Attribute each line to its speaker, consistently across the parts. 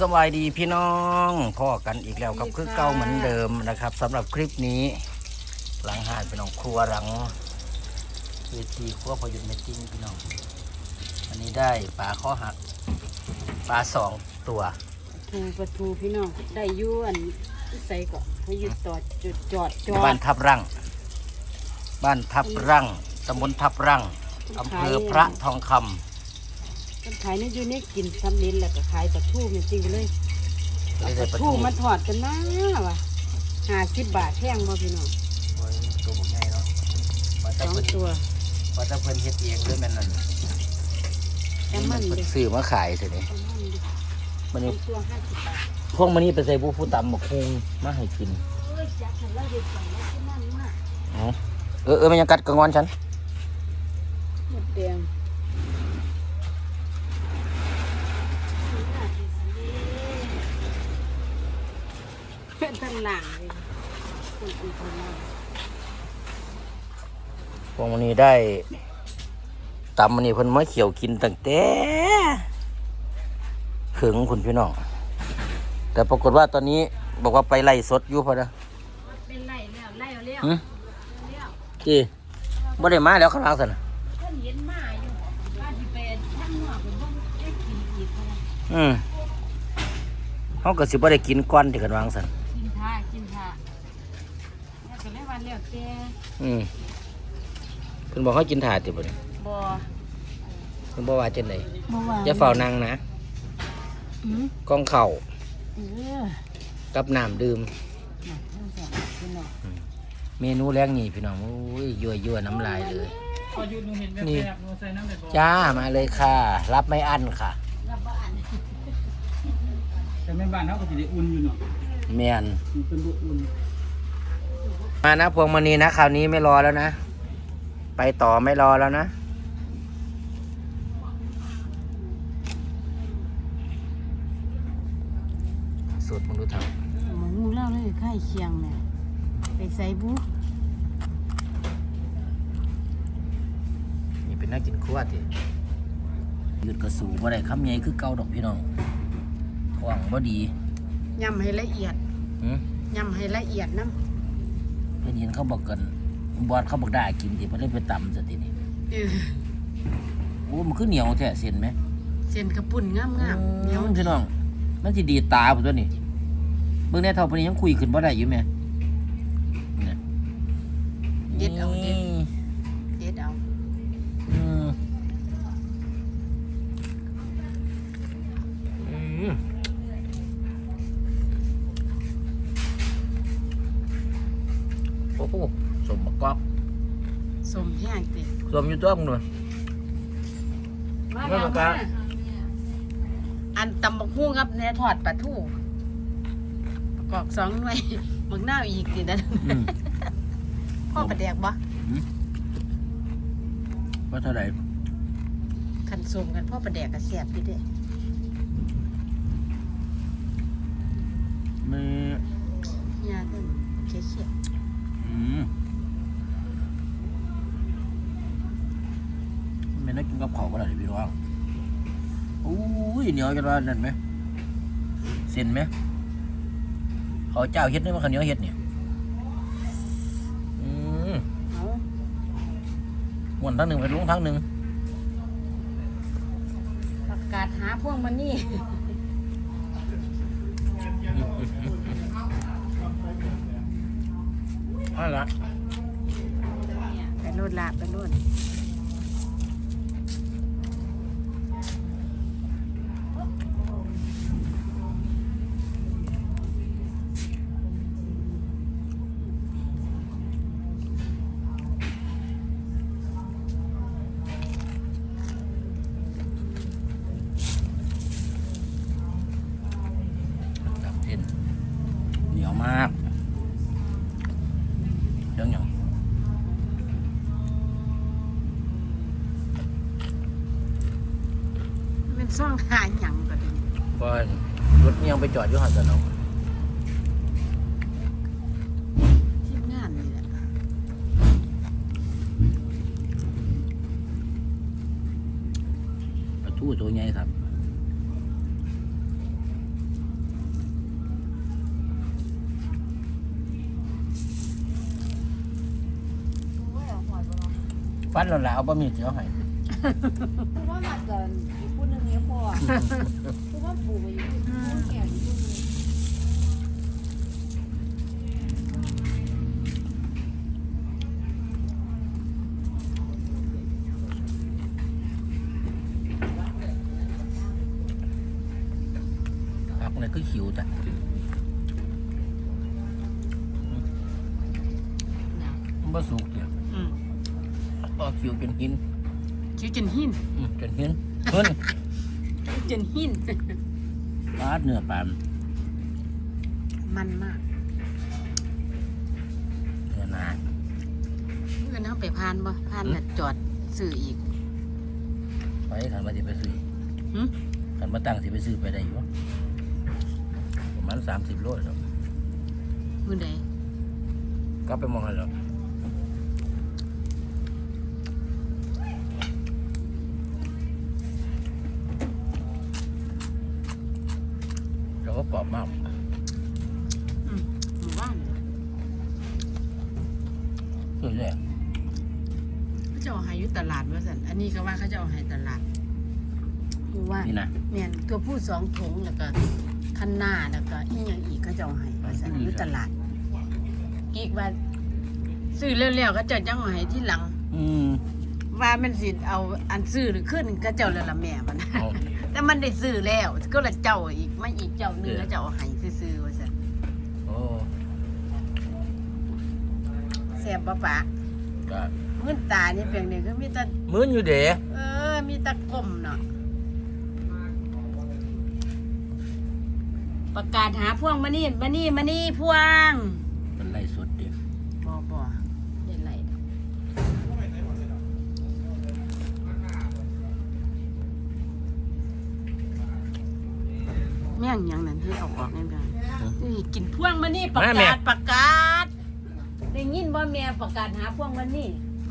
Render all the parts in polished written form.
Speaker 1: สบายดีพี่น้องพ่อกันอีกแล้วครับคือเก่าเหมือนเดิมนะครับสำหรับคลิปนี้หลังหาดพี่น้องครัวหลังเวทีครัวพยุนเมตติ้งพี่น้องวันนี้ได้ปลาข้อหักปลา2 ตัว
Speaker 2: ปลาทูพี่น้องได้ยู่อันใส่ก็พยุดต่อจอด
Speaker 1: บ้านทับรั่งตำบลทับรั่งอำเภอพระทองคำ
Speaker 2: คนขายนี่อยู่นี่กินซ้ำลิ้นแหละก็ขายปลาทูจริงๆเลยปลาทูมันถอดกันนะวะ50 บาทแพงบ่พี่น้อง
Speaker 1: ตัวบุกใหญ่เนาะ
Speaker 2: 2 ตัว
Speaker 1: ว่าจะเพิ่นเฮ็ดเองด้วยแม่นนั่น
Speaker 2: แต่มัน
Speaker 1: ซื้อมาขายเถอะนี่มันนี่
Speaker 2: ตัว50 บาท
Speaker 1: พวกมันนี่ไปใส่ผู้ตำบักฮุงมาให้กิน
Speaker 2: จักแล้วเด็ดจังแล้วที่นั่นมาก
Speaker 1: มันยังกัดกระงอนฉัน
Speaker 2: หมดแดงเป็นตลาดเลย
Speaker 1: พวกมันนี่ได้ตำมันนี่เพิ่นมาเขียวกินตั้งแต่ถึงคุณพี่น้องแต่ปรากฏว่าตอนนี้บอกว่าไปไล่สดอยู่พอนะ
Speaker 2: เป็นไล่แล้วไล่แล้ว
Speaker 1: จีบ่ได้มาแล้วข้างล่างสินะ
Speaker 2: เห็นมาอยู่ว่าสิเป็นทั้งหัวเป็นพวกได้กินอีก
Speaker 1: เขาก็สิบ่ได้กินก้อนที่กันวางสัน
Speaker 2: กินท่าแล้วก็เลยวันแล้วแต่
Speaker 1: เพิ่นบอกเขากินถาดติบ่เนี่ย
Speaker 2: บ่
Speaker 1: เพิ่นบ่ว่าจังได๋
Speaker 2: บ่ว่า
Speaker 1: อย่าเฝ้านั่งนะกองข้าวกับน้ำดื่มเมนูแรกนี่พี่น้องอุ้ยยั่วน้ำลายเลยนี่จ้ามาเลยค่ะรับไม่อั้นค่ะ
Speaker 3: แต่แม่บ้านเขาก็จะได้อุ่นอยู่เนาะ
Speaker 1: แม่น
Speaker 3: เป็นบุอุ่น
Speaker 1: มานะพวงมณีนะคราวนี้ไม่รอแล้วนะไปต่อไม่รอแล้วนะสูตรมึงรู้ทำ
Speaker 2: มึงงูเล่าเลยไข่เคียงเนี่ยไปใส่บุ๊ก
Speaker 1: นี่เป็นนักกินขวดที่หยุดกระสูบ่ได้คำใหญ่คือเก่าดอกพี่น้องท้องบ่ดี
Speaker 2: ยำให้ละเอียดยำให้ละเอียดน้
Speaker 1: ำเพื่อนเห็นเขาบอกกันบอดเขาบอกได้กินที่เพื่อนไปตำสักทีนี่โอ้มันคือเหนียวแท้เส้นไหม
Speaker 2: เส้นกระปุ่นงาม
Speaker 1: เหนียวพี่น้องมันสิดีตาผมตัวนี้เบื้องในเท่าพนี้ยังคุยขึ้นบ่ได้อยู่ไหม
Speaker 2: เด็ดเอา
Speaker 1: โอ้โหสมบักกอก
Speaker 2: สมแห้งติ
Speaker 1: สมอยู่ตัวมึงด้วย
Speaker 2: มาแล้วอันตำบักหุ่งครับเนี่ยทอดปลาทูประกอบ2 หน่วยบักหน้าอีกตินั่นพ่อประแดกบ่
Speaker 1: ว่าเท่าไหร่
Speaker 2: ขันสมกันพ่อประแดกก็แซ่บอยู่เด้
Speaker 1: มื
Speaker 2: อยาเด้อเขี้ย
Speaker 1: ไม่ได้กินกับข้าวก็ได้พี่น้องอุ้ยเหนียวจังว่านั่นไหมเส้นไหมเขาเจ้าเฮ็ดนี่มันข้าวเหนียวเฮ็ดเนี่ยม้วนทั้งหนึ่งไปลงทั้งหนึ่ง
Speaker 2: ประกาศหาพวกมันนี่
Speaker 1: อะไร
Speaker 2: ไปโลดลาไปโลด
Speaker 1: เหนียวมากเรื่องอย่าง
Speaker 2: เป็นซ่องหาหยังก็ดี
Speaker 1: ก็รถยังไปจอดอยู่หันสนอง
Speaker 2: ทีมงานนี่แหละ
Speaker 1: ปลาทูตัวใหญ่ครับฟันแล้วล่ะเอาบะหมี่เจียวให้
Speaker 4: คือว่ามาก่อนอีกคนนึงเนี่ยพอคือว่าปู่ไปอยู่คนแก่อยู่คนนึง
Speaker 1: ผักเนี่ยคือขิวจ้ะมันบ่สุกเดียว
Speaker 2: อืม
Speaker 1: ก็ขิวจนหิน
Speaker 2: คิ้วจนหิน
Speaker 1: จนหินเพิ่น
Speaker 2: จนหิน
Speaker 1: ปลาเนื้อปลา
Speaker 2: มันมาก
Speaker 1: เนื้อหนา
Speaker 2: เมื่อนั้นไปพานบ่พานน่ะจอดซื้ออีก
Speaker 1: ไปขันมาสิไปซื้อ
Speaker 2: หึ
Speaker 1: ขันมาตั้งสิไปซื้อไปได้อยู่ประมาณ30 โลแล้ว
Speaker 2: มื้อใด
Speaker 1: ก็ไปมองให้แล้วแล้วก็กรอบมาก
Speaker 2: หมู่บ้าน
Speaker 1: สวยเลย
Speaker 2: เขาจะเอาให้อยู่ตลาดว่าซั่นอันนี้ก็ว่าเขาจะเอาให้ตลาดหมู่บ้าน
Speaker 1: นี่นะ
Speaker 2: แม่นตัวผู้2ถุงแล้วก็คันหน้าแล้วก็อีหยังอีกเขาจะเอาให้ว่าซั่นอยู่ตลาดกีกว่าซื้อแล้วๆก็จะยังเอาให้ที่หลัง ว่ามันสิเอาอันซื้อหรือขึ้นก็เจ้าแล้วละแม่มัน
Speaker 1: เอา
Speaker 2: แต่มันได้ซื้อแล้วก็ละเจ้าอีกไม่อีกเจ้าหนึงก็จะเอาให้ซื้อๆว่าซั่น
Speaker 1: โอ้
Speaker 2: แซ่บบ่ปะ
Speaker 1: ก็
Speaker 2: มื้นตานี่เพียงนี้คือมีแต่
Speaker 1: มื้นอยู่เด้
Speaker 2: มีแต่กลมเนาะประกาศหาพวงมานี่พวง
Speaker 1: เป็นไรสดเด้
Speaker 2: บ่ได้ไรแม่งหยังนั่นที่เอาออกแม่นๆนี่กินพวงมานี่ประกาศได้ยินบ่แม่ประกาศหาพวงมานี่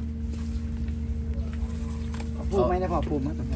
Speaker 3: ปูไหมนะพ่อปูมั้งแต่พ่อ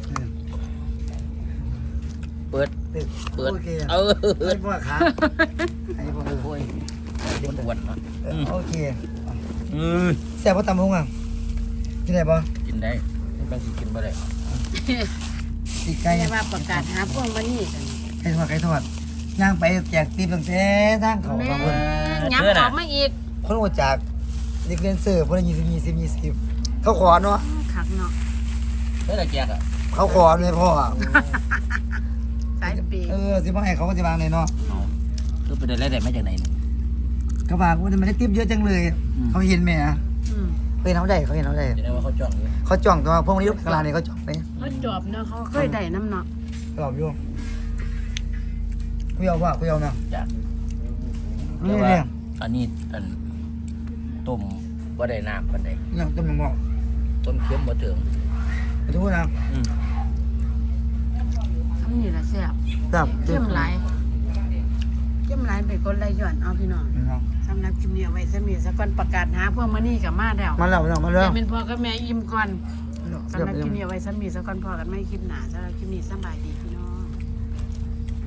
Speaker 1: เปิด
Speaker 3: โอเค
Speaker 1: เออ
Speaker 3: ให้พ่อขาให้พ่อ
Speaker 1: โอ้ยเด็กอ้วนเนาะ
Speaker 3: โอเค
Speaker 1: อือ
Speaker 3: แซ่บพ่อตำหงอ่ะกินได้ป่ะ
Speaker 1: กินได้บางสิกินบ่ได้
Speaker 3: ตีไก่
Speaker 2: แต่ว่าประกาศหาพวงมานี่กัน
Speaker 3: ไก่ทอดย่างไปแจกตีตั้งแต่ทางเขา
Speaker 2: แม่
Speaker 3: บางคน
Speaker 2: ย้ำออกมาอีก
Speaker 3: คนโอจากเด็กเรียนเสิร์ฟคนละ20 เขาขอเนาะ
Speaker 2: คักเนาะ
Speaker 1: เพื่อแจกอ่ะ
Speaker 3: เขาขอเลยพ่อ
Speaker 2: สายปี
Speaker 3: สิพ่อให้เขาก็จะวางเลยเนาะ
Speaker 1: คือไปได้รายได้มาจากไหนเนี่ย
Speaker 3: เขาบอกว่ามันได้ติ๊บเยอะจังเลย เขาเห็นไหมอ่ะ
Speaker 2: อืม
Speaker 3: เขาเห็นเขาได้
Speaker 1: จะได้ว่าเขาจ้องอยู่
Speaker 3: เขาจ้องตัวพวกนี้กลางนี่เขาจ้องไป
Speaker 2: เขาจอบเนาะเขาเคยได้น้ำเนาะ
Speaker 3: หลอกอยู่คุยเอาว่าคุยเอาเนาะ
Speaker 1: จ้ะ
Speaker 3: นี่
Speaker 1: แต่ว่า
Speaker 3: เนี่ย
Speaker 1: อันนี้อันต้มบ่ได้น้ำปานใด
Speaker 3: เนี่ยต้นมะม่วง
Speaker 1: ต้มเค็มบ่ถึง
Speaker 3: ไปดูนะ
Speaker 2: ทำนี่ละแซ่บ
Speaker 3: จับ
Speaker 2: เข้มหลายไปกดไหลย้อนเอาพี่น้องสำหรับคลิปนี้เอาไว้ซะมีสักก่อนประกาศหาพวกมานี่กับมาแล้ว
Speaker 3: มาแล้วมาแล้ว
Speaker 2: จะเป็นพ่อกับแม่อิ่มก่อนสำหรับคลิปนี้เอาไว้ซะมีสักก่อนพ่อกันไม่คลิปหนาสำหรับคลิปนี้สบายดีพี่